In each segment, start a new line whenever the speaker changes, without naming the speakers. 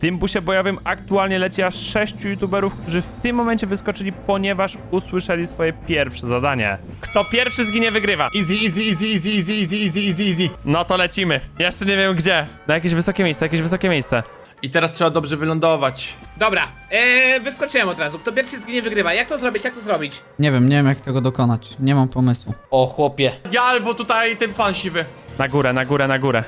tym busie bojowym aktualnie leci aż 6 youtuberów, którzy w tym momencie wyskoczyli, ponieważ usłyszeli swoje pierwsze zadanie. Kto pierwszy zginie, wygrywa.
Easy, easy, easy, easy, easy, easy, easy, easy, easy.
No to lecimy. Jeszcze nie wiem gdzie. Na jakieś wysokie miejsce, jakieś wysokie miejsce.
I teraz trzeba dobrze wylądować.
Dobra, wyskoczyłem od razu. Kto pierwszy zginie, wygrywa. Jak to zrobić, jak to zrobić?
Nie wiem jak tego dokonać. Nie mam pomysłu.
O chłopie.
Ja albo tutaj ten pan siwy.
Na górę, na górę, na górę.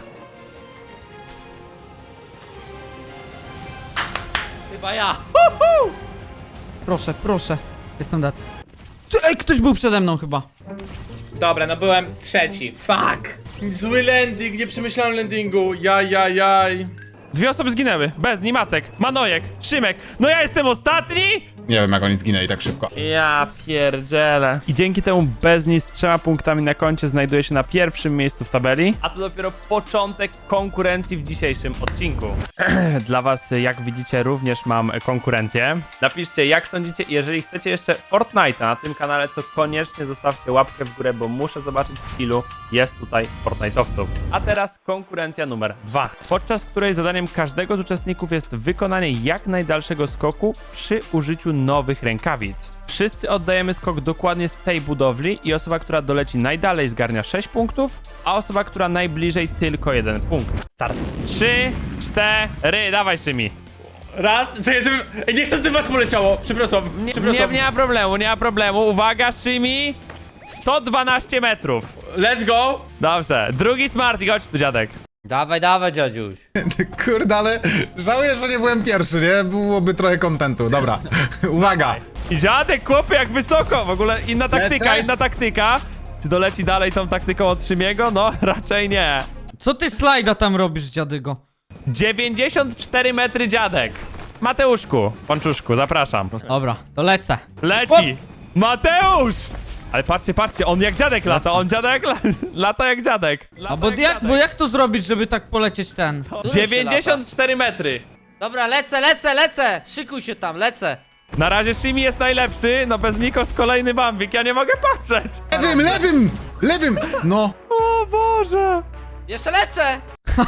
Chyba ja.
Proszę, proszę. Jestem dead. Ej, ktoś był przede mną chyba.
Dobra, no byłem trzeci. Fuck!
Zły landing, nie przemyślałem landingu. Jaj.
2 osoby zginęły. Bezni, Matek, Manojek, Szymek. No ja jestem ostatni?
Nie wiem, jak oni zginęli tak szybko.
Ja pierdzielę. I dzięki temu Bezni z 3 punktami na koncie znajduje się na pierwszym miejscu w tabeli. A to dopiero początek konkurencji w dzisiejszym odcinku. Dla was, jak widzicie, również mam konkurencję. Napiszcie, jak sądzicie, jeżeli chcecie jeszcze Fortnite'a na tym kanale, to koniecznie zostawcie łapkę w górę, bo muszę zobaczyć, ilu jest tutaj Fortnite'owców. A teraz konkurencja numer 2, podczas której zadaniem każdego z uczestników jest wykonanie jak najdalszego skoku przy użyciu nowych rękawic. Wszyscy oddajemy skok dokładnie z tej budowli i osoba, która doleci najdalej, zgarnia 6 punktów, a osoba, która najbliżej, tylko 1 punkt. Start. 3, 4, dawaj Szymi.
Raz, czekaj, żeby... Ej, nie chcę, żeby was poleciało. Przepraszam.
Nie ma problemu, nie ma problemu. Uwaga, Szymi. 112 metrów.
Let's go.
Dobrze. Drugi Smarty, chodź tu, dziadek.
Dawaj, dawaj, dziadziuś.
Kurde, ale żałuję, że nie byłem pierwszy, nie? Byłoby trochę kontentu. Dobra, uwaga.
I dziadek, chłopie, jak wysoko. W ogóle inna taktyka,
Lecę.
inna taktyka. Czy doleci dalej tą taktyką od Szymiego? No, raczej nie.
Co ty slajda tam robisz, dziadygo?
94 metry, dziadek. Mateuszku, Pączuszku, zapraszam.
Dobra, to lecę.
Leci. Mateusz! Ale patrzcie, patrzcie, on jak dziadek lata, on dziadek lata jak dziadek. Lata
A bo jak to zrobić, żeby tak polecieć ten?
94 metry.
Dobra, lecę. Szykuj się tam, lecę.
Na razie Shimi jest najlepszy, no bez Nikos kolejny bambik, ja nie mogę patrzeć.
Lewym! No.
O Boże.
Jeszcze lecę.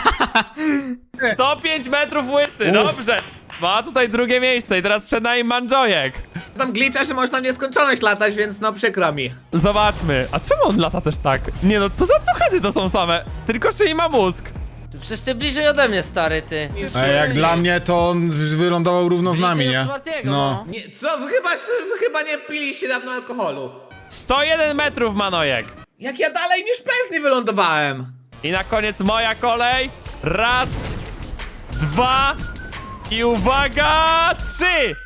105 metrów łysy, dobrze. Ma tutaj drugie miejsce i teraz przed nami Mandzojek.
Tam glitcha, że można w nieskończoność latać, więc no przykro mi.
Zobaczmy, a czemu on lata też tak? Nie no, co za tuchedy to są same? Tylko Shimi ma mózg.
Przecież ty bliżej ode mnie, stary, ty.
A jak dla mnie, to on wylądował równo z nami,
Bliżej
nie?
od Smartiego,
No.
Nie, co? Wy chyba nie piliście dawno alkoholu.
101 metrów, Manojek.
Jak ja dalej niż Pesni wylądowałem.
I na koniec moja kolej. Raz, 2 i uwaga, 3.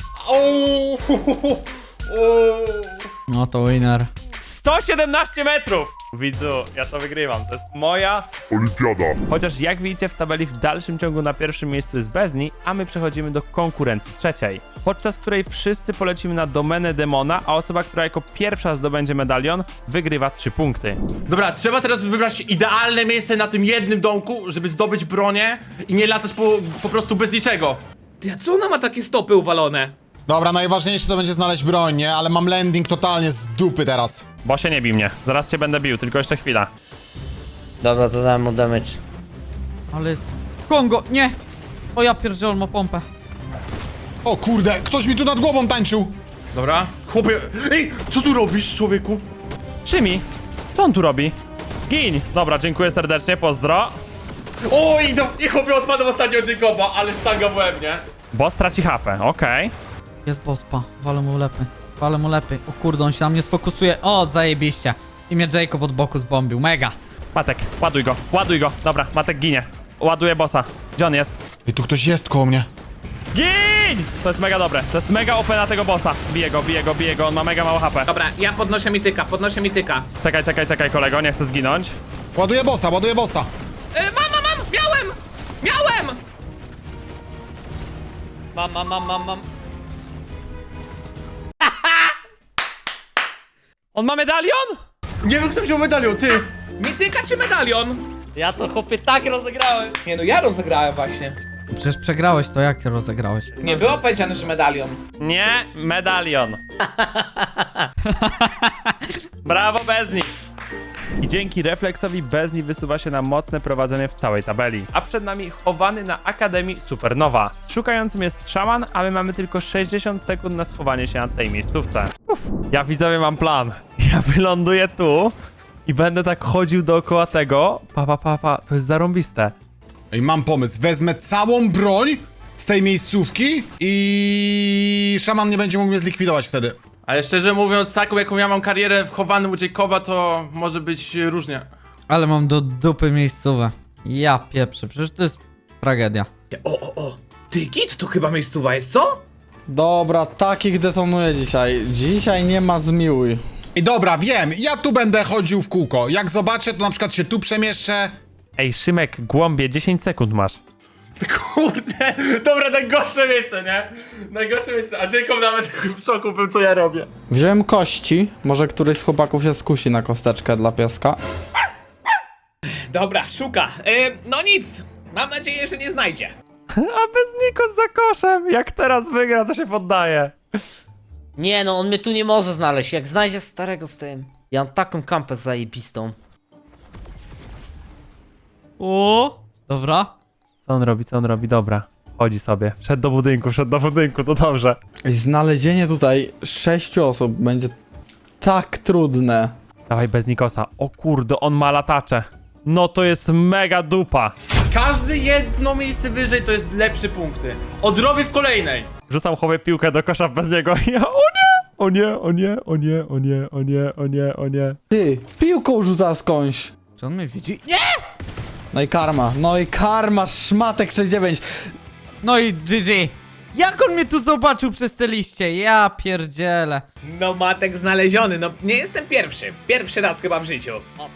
No to winner.
117 metrów! Widzu, ja to wygrywam, to jest moja olimpiada. Chociaż jak widzicie w tabeli w dalszym ciągu na pierwszym miejscu jest Bezni, a my przechodzimy do konkurencji trzeciej, podczas której wszyscy polecimy na domenę demona, a osoba, która jako pierwsza zdobędzie medalion, wygrywa 3 punkty.
Dobra, trzeba teraz wybrać idealne miejsce na tym jednym domku, żeby zdobyć bronię i nie latać po prostu bez niczego.
Ty, a co ona ma takie stopy uwalone?
Dobra, najważniejsze to będzie znaleźć broń, nie? Ale mam landing totalnie z dupy teraz.
Bo się nie bij mnie, zaraz cię będę bił, tylko jeszcze chwila.
Dobra, zadałem mu damage.
Ale jest... Kongo, nie! O ja pierdzielę, on ma pompę.
O kurde, ktoś mi tu nad głową tańczył.
Dobra. Chłopie, ej, co tu robisz, człowieku?
Szymi, co on tu robi? Gin! Dobra, dziękuję serdecznie, pozdro.
Oj, i chłopie odpadł ostatnio od Jacoba, ale sztanga w łeb, nie?
Boss traci HP, okej.
Jest bospa, walę mu lepy. Walę mu lepy. O kurde, on się na mnie sfokusuje. O, zajebiście. I mnie Jacob od boku zbombił, mega.
Matek, ładuj go. Dobra, Matek ginie. Ładuję bossa. Gdzie on jest?
I tu ktoś jest koło mnie.
Gin! To jest mega dobre, to jest mega OP na tego bossa. Bije go, on ma mega mało HP.
Dobra, ja podnoszę mityka.
Czekaj, kolego, nie chcę zginąć.
Ładuję bossa.
Mam! Miałem!
Mam.
On ma medalion?
Nie wiem, kto wziął medalion, ty.
Mityka czy medalion?
Ja to chłopie tak rozegrałem.
Nie no, ja rozegrałem właśnie.
Przecież przegrałeś to, jak ty rozegrałeś?
Nie było powiedziane, że medalion.
Nie, medalion. Brawo, Bezni. I dzięki refleksowi Bezni wysuwa się na mocne prowadzenie w całej tabeli. A przed nami chowany na Akademii Supernowa. Szukającym jest szaman, a my mamy tylko 60 sekund na schowanie się na tej miejscówce. Ja widzowie mam plan. Ja wyląduję tu i będę tak chodził dookoła tego. To jest zarąbiste.
Ej, mam pomysł. Wezmę całą broń z tej miejscówki i szaman nie będzie mógł mnie zlikwidować wtedy.
Ale szczerze mówiąc, taką jaką ja mam karierę wchowany u Jacoba, to może być różnie.
Ale mam do dupy miejscowe. Ja pieprzę, przecież to jest tragedia.
O! Ty, git, to chyba miejscowa jest, co?
Dobra, takich detonuję dzisiaj. Dzisiaj nie ma zmiłuj.
I dobra, wiem, ja tu będę chodził w kółko. Jak zobaczę, to na przykład się tu przemieszczę.
Ej, Szymek, głąbie, 10 sekund masz.
Kurde, dobra, najgorsze miejsce, nie? Najgorsze miejsce, a Jacob nawet w szoku był, co ja robię.
Wziąłem kości. Może któryś z chłopaków się skusi na kosteczkę dla pieska.
Dobra, szuka. No nic. Mam nadzieję, że nie znajdzie.
A bez Nikos za koszem. Jak teraz wygra, to się poddaje.
Nie no, on mnie tu nie może znaleźć. Jak znajdzie starego z tym. Ja mam taką kampę zajebistą.
O, dobra.
Co on robi, co on robi? Dobra. Chodzi sobie. Wszedł do budynku, to dobrze.
I znalezienie tutaj 6 osób będzie tak trudne.
Dawaj bez Nikosa. O kurde, on ma latacze. No to jest mega dupa.
Każde jedno miejsce wyżej to jest lepsze punkty. Odrobię w kolejnej.
Rzucam chłopie piłkę do kosza bez niego. Ja, o nie! O nie, o nie, o nie, o nie, o nie, o nie, o nie.
Ty, piłką rzuca skądś.
Czy on mnie widzi?
No i karma, szmatek 69.
No i GG. Jak on mnie tu zobaczył przez te liście? Ja pierdzielę.
No, Matek znaleziony. No, nie jestem pierwszy. Pierwszy raz chyba w życiu.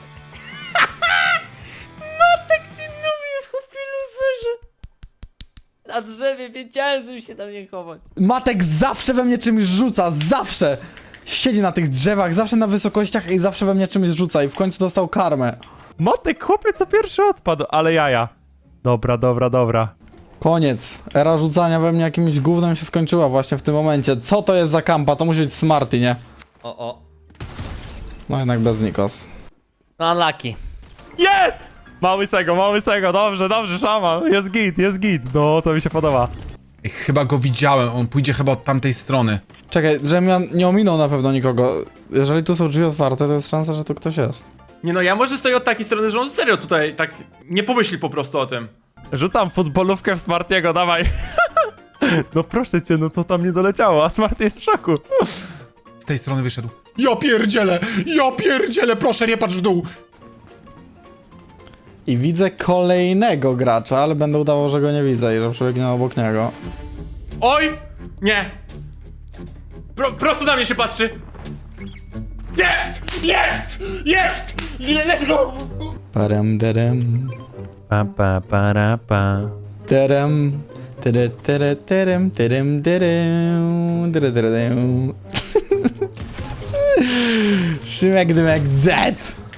Na drzewie wiedziałem, żeby się tam nie chować.
Matek zawsze we mnie czymś rzuca, zawsze. Siedzi na tych drzewach, zawsze na wysokościach i zawsze we mnie czymś rzuca i w końcu dostał karmę.
Motek, chłopie, co pierwszy odpadł, ale jaja. Dobra.
Koniec. Era rzucania we mnie jakimś gównem się skończyła właśnie w tym momencie. Co to jest za kampa? To musi być Smarty, nie?
O.
No jednak bez Nikos.
No unlucky.
Jest! Mały sego, dobrze, szaman. Jest git. No, to mi się podoba.
Ej, chyba go widziałem, on pójdzie chyba od tamtej strony.
Czekaj, żebym ja nie ominął na pewno nikogo. Jeżeli tu są drzwi otwarte, to jest szansa, że tu ktoś jest.
Nie no, ja może stoję od takiej strony, że on serio tutaj tak nie pomyśli po prostu o tym.
Rzucam futbolówkę w Smartiego, dawaj. No proszę cię, no to tam nie doleciało, a Smarty jest w szoku.
Z tej strony wyszedł. Ja pierdzielę, proszę nie patrz w dół.
I widzę kolejnego gracza, ale będę udawał, że go nie widzę i że przebiegnie obok niego.
Oj! Nie! Prosto na mnie się patrzy! Jest! Let's go!
Parem derem.
Pa.
Terem. Terem. Szymek dymek dead.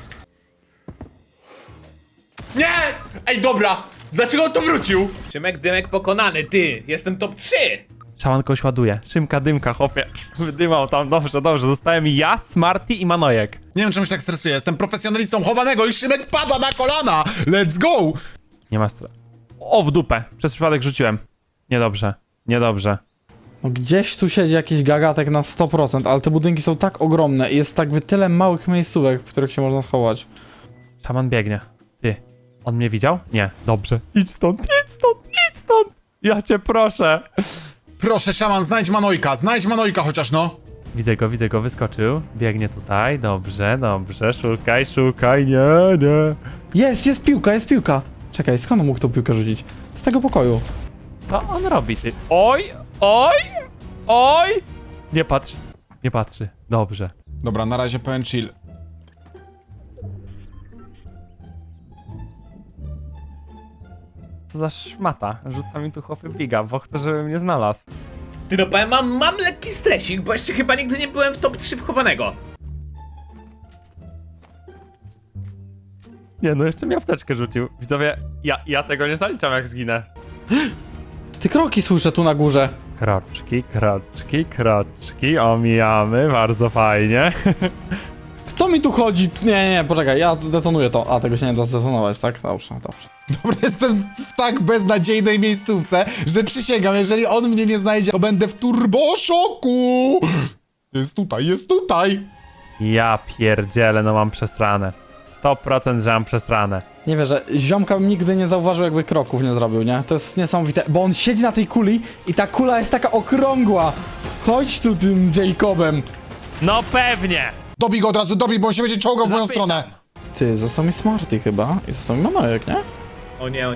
Nie! Ej, dobra! Dlaczego on tu wrócił?
Szymek Dymek pokonany, ty. Jestem top 3.
Szaman kogoś ładuje. Szymka, dymka, chłopie. Wydymał tam, dobrze. Zostałem ja, Smarty i Manojek.
Nie wiem czemu się tak stresuję, jestem profesjonalistą chowanego i Szymek pada na kolana. Let's go!
Nie ma stra... O, w dupę. Przez przypadek rzuciłem. Niedobrze.
No gdzieś tu siedzi jakiś gagatek na 100%, ale te budynki są tak ogromne i jest tak tyle małych miejscówek, w których się można schować.
Szaman biegnie. Ty, on mnie widział? Nie. Dobrze. Idź stąd. Ja cię proszę.
Proszę, szaman, znajdź Manojka chociaż, no.
Widzę go, wyskoczył. Biegnie tutaj. Dobrze. Szukaj. Nie.
Jest piłka. Czekaj, skąd on mógł tą piłkę rzucić? Z tego pokoju.
Co on robi, ty? Oj! Nie patrzy. Dobrze.
Dobra, na razie pełen chill.
Co za szmata. Rzuca mi tu chłopy biga, bo chce, żeby mnie znalazł.
Ty no powiem, mam lekki stresik, bo jeszcze chyba nigdy nie byłem w top 3 wchowanego.
Nie, no jeszcze mi apteczkę rzucił. Widzowie, ja tego nie zaliczam, jak zginę.
Ty kroki słyszę tu na górze.
Kroczki, omijamy, bardzo fajnie.
Kto co mi tu chodzi? Nie, poczekaj, ja detonuję to. A, tego się nie da zdetonować, tak? Dobrze.
Dobra, jestem w tak beznadziejnej miejscówce, że przysięgam, jeżeli on mnie nie znajdzie, to będę w turboszoku! Jest tutaj!
Ja pierdzielę, no mam przesrane. 100% że mam przesrane.
Nie wierzę, ziomka bym nigdy nie zauważył, jakby kroków nie zrobił, nie? To jest niesamowite, bo on siedzi na tej kuli i ta kula jest taka okrągła. Chodź tu tym Jacobem.
No pewnie!
Dobij go od razu, dobij, bo on się będzie czołgał w moją
Zapytam.
stronę.
Ty, został mi Smarty chyba i został mi Manojek, nie?
O nie.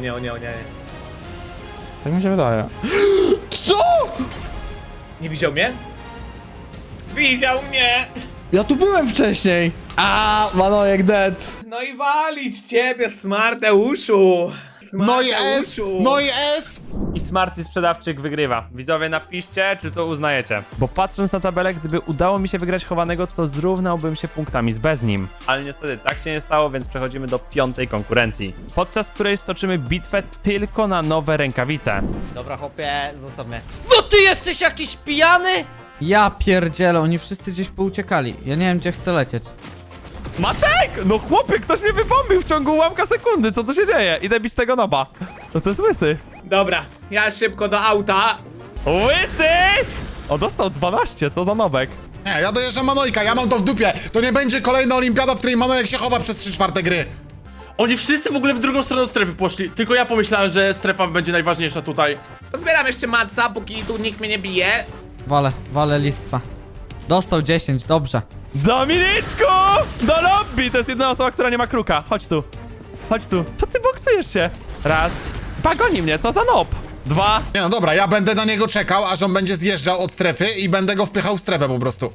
Tak mi się wydaje. Co?
Nie widział mnie? Widział mnie!
Ja tu byłem wcześniej. A, Manojek dead.
No i walić ciebie, Smarteuszu!
No i S,
Smarteuszu.
no i S!
I Smarty Sprzedawczyk wygrywa. Widzowie, napiszcie, czy to uznajecie. Bo patrząc na tabelę, gdyby udało mi się wygrać chowanego, to zrównałbym się punktami z bez nim. Ale niestety tak się nie stało, więc przechodzimy do 5. konkurencji. Podczas której stoczymy bitwę tylko na nowe rękawice.
Dobra, chłopie, zostaw mnie. No ty jesteś jakiś pijany?
Ja pierdzielę, oni wszyscy gdzieś pouciekali. Ja nie wiem, gdzie chcę lecieć.
Matek! No chłopie, ktoś mnie wybombił w ciągu ułamka sekundy, co tu się dzieje? Idę bić tego noba. No to jest łysy.
Dobra, ja szybko do auta.
Łysy! O, dostał 12, co za nobek.
Nie, ja dojeżdżam Manojka, ja mam to w dupie. To nie będzie kolejna olimpiada, w której Manojek się chowa przez 3/4 gry.
Oni wszyscy w ogóle w drugą stronę strefy poszli. Tylko ja pomyślałem, że strefa będzie najważniejsza tutaj.
Pozbieram jeszcze matca, póki tu nikt mnie nie bije.
Walę listwa. Dostał 10, dobrze.
Dominiczku! Do lobby! To jest jedna osoba, która nie ma kruka. Chodź tu. Chodź tu. Co ty boksujesz się? Raz. Pagoni mnie, co za nob? 2.
Nie no dobra, ja będę na niego czekał, aż on będzie zjeżdżał od strefy i będę go wpychał w strefę po prostu.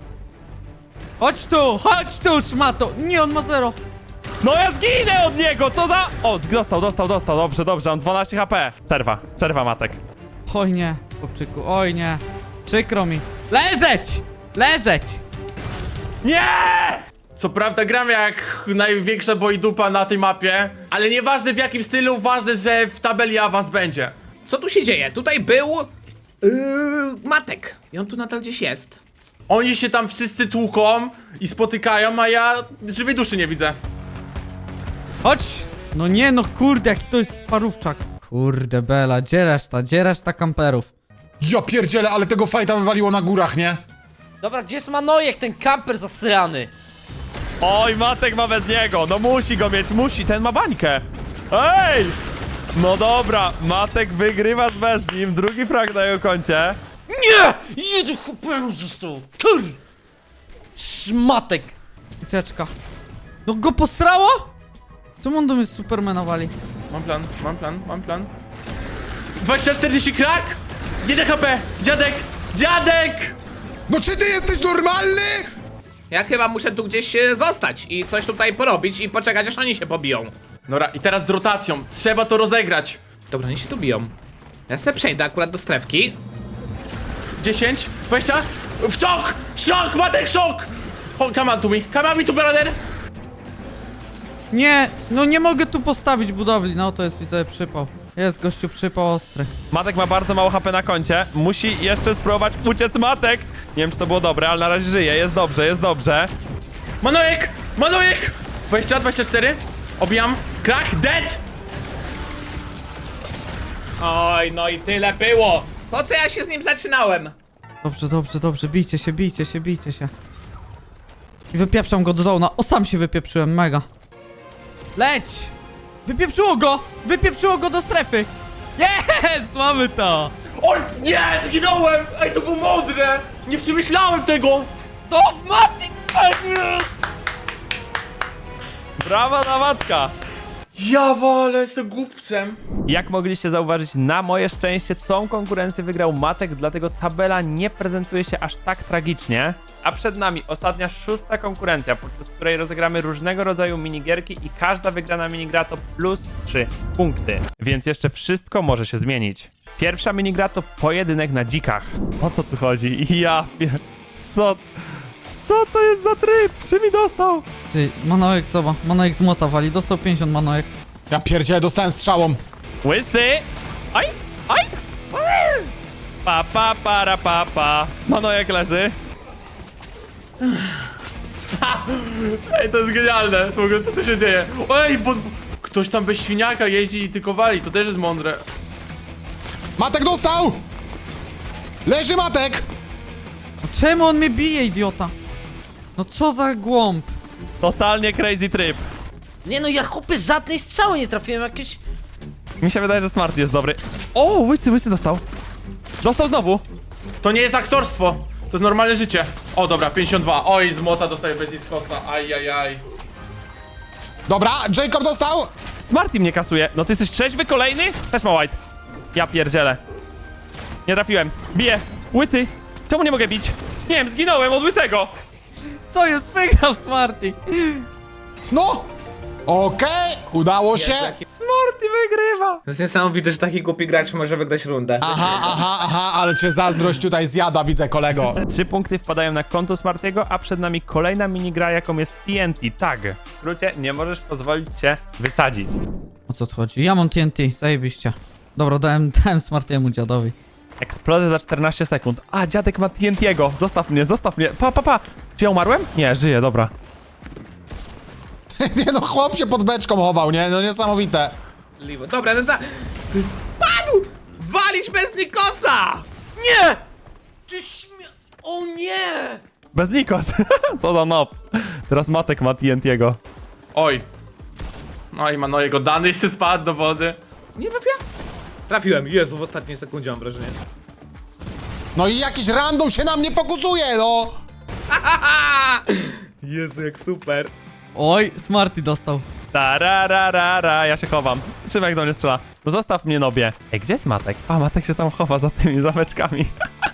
Chodź tu, szmato! Nie, on ma 0.
No ja zginę od niego, co za... O, dostał. Dobrze, mam 12 HP. Przerwa, Matek.
Oj nie, chłopczyku, oj nie. Przykro mi. Leżeć!
Nie!
Co prawda gram jak największa boydupa na tej mapie, ale nieważne w jakim stylu, ważne, że w tabeli awans będzie.
Co tu się dzieje? Tutaj był... Matek. I on tu nadal gdzieś jest.
Oni się tam wszyscy tłuką i spotykają, a ja żywej duszy nie widzę.
Chodź! No nie, no kurde, jaki to jest parówczak. Kurde, Bela, gdzie reszta kamperów?
Ja pierdzielę, ale tego fajta wywaliło na górach, nie?
Dobra, gdzie jest Manojek, ten kamper zasrany?
Oj, Matek ma bez niego. No musi go mieć, ten ma bańkę. Ej! No dobra, Matek wygrywa z bez nim. Drugi frag na jego koncie.
Nie! Jeden chłopek został. Kur! Szmatek.
Ucieczka. No go posrało? Czemu on do mnie Supermana wali?
Mam plan. 20-40 krak! 1 HP! Dziadek!
No czy ty jesteś normalny?
Ja chyba muszę tu gdzieś zostać i coś tutaj porobić i poczekać, aż oni się pobiją.
Dobra, i teraz z rotacją. Trzeba to rozegrać.
Dobra, oni się tu biją. Ja sobie przejdę akurat do strefki.
10, 20. W szok! Szok! Matek, szok! Come on tu, brother!
Nie, no nie mogę tu postawić budowli. No to jest, widzę, przypał. Jest gościu przypał ostry.
Matek ma bardzo mało HP na koncie. Musi jeszcze spróbować uciec Matek. Nie wiem, czy to było dobre, ale na razie żyje. Jest dobrze.
Manojek! 20, 24. Obijam. Krak, dead!
Oj, no i tyle było. Po co ja się z nim zaczynałem?
Dobrze, bijcie się. I wypieprzam go do zona. O, sam się wypieprzyłem, mega. Leć! Wypieprzyło go do strefy. Jest! Mamy to!
Oj, nie! Zginąłem! Ej, to było mądre! Nie przemyślałem tego!
To Matek!
Brawa na Matka!
Ja walę, jestem głupcem.
Jak mogliście zauważyć, na moje szczęście tą konkurencję wygrał Matek, dlatego tabela nie prezentuje się aż tak tragicznie. A przed nami ostatnia 6. konkurencja, podczas której rozegramy różnego rodzaju minigierki i każda wygrana minigra to plus 3 punkty. Więc jeszcze wszystko może się zmienić. Pierwsza minigra to pojedynek na dzikach. O co tu chodzi? Co to jest za tryb? Czy mi dostał?
Ty, Manojek, zobacz. Manojek z młota wali. Dostał 50 Manojek.
Ja pierdzielę, dostałem strzałą.
Łysy! Oj! Pa. Manojek leży.
Ej, to jest genialne. W ogóle, co tu się dzieje? Ej, bo ktoś tam bez świniaka jeździ i tylko wali, to też jest mądre.
Matek dostał! Leży Matek!
No czemu on mnie bije, idiota? No co za głąb.
Totalnie crazy trip.
Nie no, ja chłopie żadnej strzały nie trafiłem, jakieś...
Mi się wydaje, że Smarty jest dobry. O, łysy dostał. Dostał znowu.
To nie jest aktorstwo, to jest normalne życie. O, dobra, 52. Oj, z młota dostaje bez niskosa. Ajajaj.
Dobra, Jacob dostał!
Smarty mnie kasuje. No ty jesteś trzeźwy kolejny? Też ma white. Ja pierdzielę. Nie trafiłem. Biję. Łysy. Czemu nie mogę bić? Nie wiem, zginąłem od łysego.
Co jest? Wygrał Smarty.
No! Okej, udało się.
Smarty wygrywa.
To jest niesamowite, że taki głupi gracz może wygrać rundę.
Aha, ale cię zazdrość tutaj zjada, widzę, kolego.
3 punkty wpadają na konto Smartiego, a przed nami kolejna minigra, jaką jest TNT Tag. W skrócie, nie możesz pozwolić się wysadzić.
O co tu chodzi? Ja mam TNT, zajebiście. Dobra, dałem Smartiemu dziadowi.
Eksplozja za 14 sekund. A, dziadek ma TNT'ego. Zostaw mnie, zostaw mnie. Pa. Czy ja umarłem? Nie, żyję, dobra.
Nie no, chłop się pod beczką chował, nie? No niesamowite.
Dobra, to jest... Padł! Walić bez Nikosa!
Nie! Ty O nie!
Bez Nikos. Co za nob. Teraz Matek ma TNT'ego.
Oj. No i ma jego dany jeszcze spadł do wody.
Nie trafiłem? Trafiłem, Jezu, w ostatniej sekundzie mam wrażenie.
No i jakiś random się na mnie fokusuje, no!
Jezu, jak super.
Oj, Smarty dostał.
Tarararara, ja się chowam. Szymek do mnie strzela. No zostaw mnie, nobie. Ej, gdzie jest Matek? A, Matek się tam chowa za tymi zameczkami.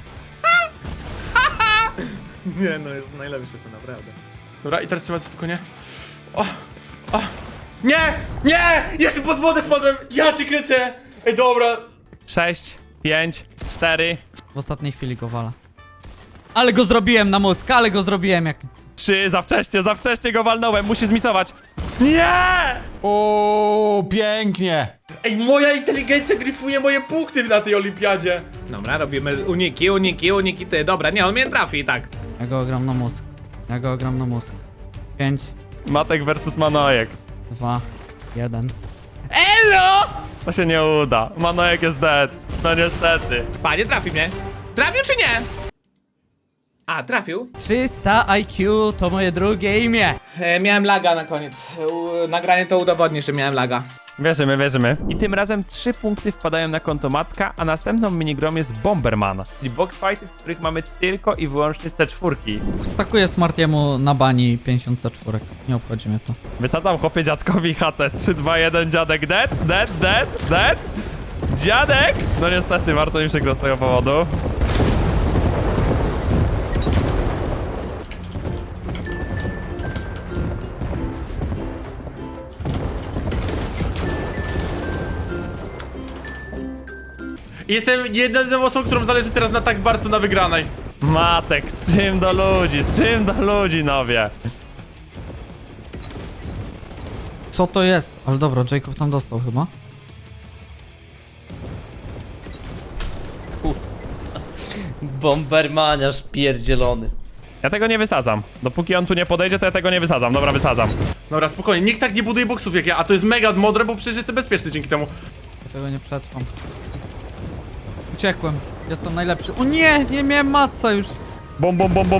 Nie no, jest najlepszy to naprawdę.
Dobra, i teraz trzeba spokojnie. O! Nie! Nie! Jeszcze pod wodę wpadłem! Ja cię kręcę! Ej, dobra.
6, 5, 4,
W ostatniej chwili go wala. Ale go zrobiłem na mózg, ale go zrobiłem jak...
3, za wcześnie go walnąłem, musi zmisować. Nie!
O, pięknie.
Ej, moja inteligencja gryfuje moje punkty na tej olimpiadzie.
Dobra, robimy uniki, ty. Dobra, nie, on mnie trafi i tak.
Ja go gram na mózg. 5,
Matek versus Manojek.
2, 1.
To się nie uda. Manojek jest dead. No niestety.
Panie, trafi mnie. Trafił czy nie? A, trafił.
300 IQ to moje drugie imię.
Miałem laga na koniec. Nagranie to udowodni, że miałem laga.
Wierzymy. I tym razem 3 punkty wpadają na konto Matka, a następną minigrą jest Bomberman, czyli box fighty, w których mamy tylko i wyłącznie C4.
Stakuję Smartiemu na bani 54. Nie obchodzi mnie to.
Wysadzam chłopie dziadkowi chatę. 3, 2, 1, dziadek dead. Dziadek! No niestety, bardzo mi przykro z tego powodu.
I jestem jedyną osobą, którą zależy teraz na tak bardzo na wygranej.
Matek, z czym do ludzi, nowie.
Co to jest? Ale dobra, Jacob tam dostał chyba.
Bombermaniarz pierdzielony.
Ja tego nie wysadzam. Dopóki on tu nie podejdzie, to ja tego nie wysadzam. Dobra, wysadzam.
Dobra, spokojnie, nikt tak nie buduje boksów jak ja, a to jest mega mądre, bo przecież jestem bezpieczny dzięki temu.
Ja tego nie przetrwam. Uciekłem. Jestem najlepszy. O nie, nie miałem matca już.
Bum.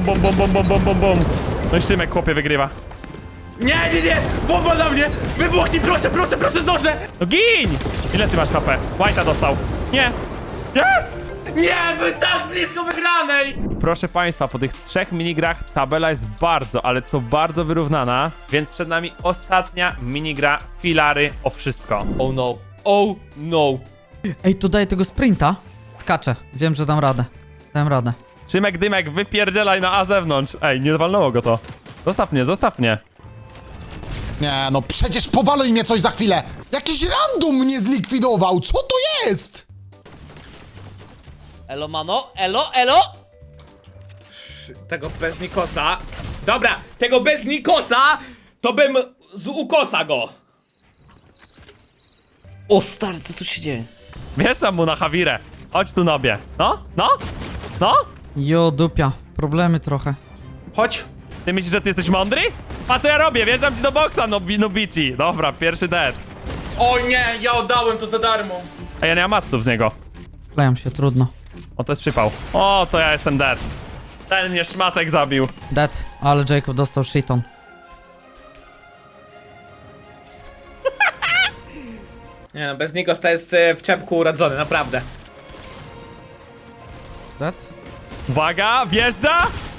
No i Szymek, chłopie, wygrywa.
Nie! Bomba na mnie! Wybuchnij, proszę, zdążę!
No gin! Ile ty masz HP? White'a dostał. Nie! Jest!
Nie, wy tak blisko wygranej!
Proszę państwa, po tych 3 minigrach tabela jest bardzo, ale to bardzo wyrównana, więc przed nami ostatnia minigra filary o wszystko.
Oh no.
Ej, to daję tego sprinta. Skaczę. Wiem, że dam radę. Dałem radę.
Szymek, Dymek, wypierdzielaj na A zewnątrz. Ej, nie walnęło go to. Zostaw mnie.
Nie no, przecież powali mnie coś za chwilę. Jakiś random mnie zlikwidował, co to jest?
Elo, mano, elo!
Tego bez Nikosa. Dobra, tego bez Nikosa to bym z ukosa go.
O stary, co tu się dzieje?
Wjeżdżam mu na Hawirę. Chodź tu, nobie. No?
Jo, dupia. Problemy trochę.
Chodź.
Ty myślisz, że ty jesteś mądry? A co ja robię? Wjeżdżam ci do boksa, Nobici. Dobra, pierwszy dead.
O nie, ja oddałem to za darmo.
A ja nie mam matsów z niego.
Klejam się, trudno.
O, to jest przypał. O, to ja jestem dead. Ten mnie szmatek zabił.
Dead, ale Jacob dostał shiton.
Nie no, bez niego to jest w czepku urodzony, naprawdę.
Dead?
Uwaga, wjeżdża!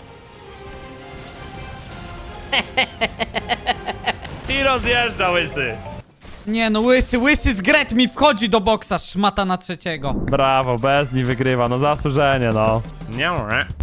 I rozjeżdża łysy.
Nie no, łysy z Gret mi wchodzi do boksa, szmata na trzeciego.
Brawo, Bezni wygrywa, no zasłużenie, no. Nie.